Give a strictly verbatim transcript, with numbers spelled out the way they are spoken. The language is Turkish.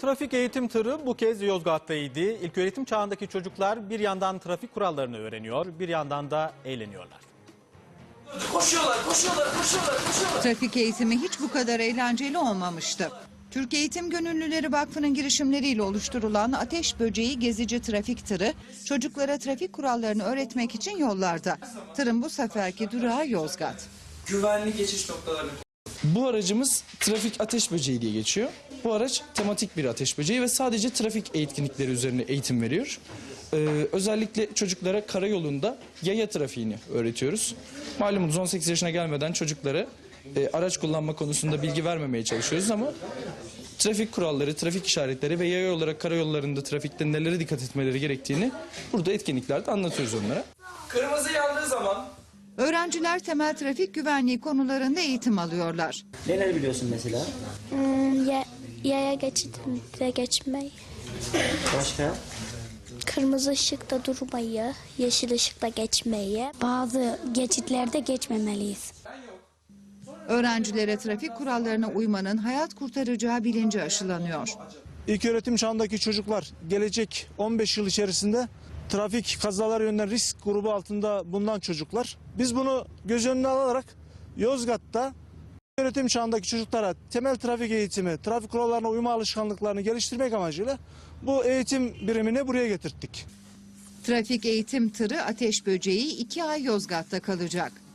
Trafik eğitim tırı bu kez Yozgat'taydı. İlköğretim çağındaki çocuklar bir yandan trafik kurallarını öğreniyor, bir yandan da eğleniyorlar. Koşuyorlar, koşuyorlar, koşuyorlar, koşuyorlar. Trafik eğitimi hiç bu kadar eğlenceli olmamıştı. Türk Eğitim Gönüllüleri Vakfı'nın girişimleriyle oluşturulan Ateş Böceği gezici trafik tırı çocuklara trafik kurallarını öğretmek için yollarda. Tırın bu seferki durağı Yozgat. Güvenli geçiş noktalarını. Bu aracımız trafik ateş böceği diye geçiyor. Bu araç tematik bir ateş böceği ve sadece trafik etkinlikleri üzerine eğitim veriyor. Ee, özellikle çocuklara karayolunda yaya trafiğini öğretiyoruz. Malumunuz on sekiz yaşına gelmeden çocuklara e, araç kullanma konusunda bilgi vermemeye çalışıyoruz ama trafik kuralları, trafik işaretleri ve yaya olarak karayollarında trafikte nelere dikkat etmeleri gerektiğini burada etkinliklerde anlatıyoruz onlara. Kırmızı yandığı zaman Öğrenciler temel trafik güvenliği konularında eğitim alıyorlar. Neler biliyorsun mesela? Hmm, ya, yaya geçidinde geçmeyi, Başka? kırmızı ışıkta durmayı, yeşil ışıkta geçmeyi. Bazı geçitlerde geçmemeliyiz. Öğrencilere trafik kurallarına uymanın hayat kurtaracağı bilinci aşılanıyor. İlköğretim çağındaki çocuklar gelecek on beş yıl içerisinde trafik kazaları yönünden risk grubu altında bulunan çocuklar. Biz bunu göz önüne alarak Yozgat'ta ilköğretim çağındaki çocuklara temel trafik eğitimi, trafik kurallarına uyma alışkanlıklarını geliştirmek amacıyla bu eğitim birimini buraya getirttik. Trafik eğitim tırı Ateş Böceği iki ay Yozgat'ta kalacak.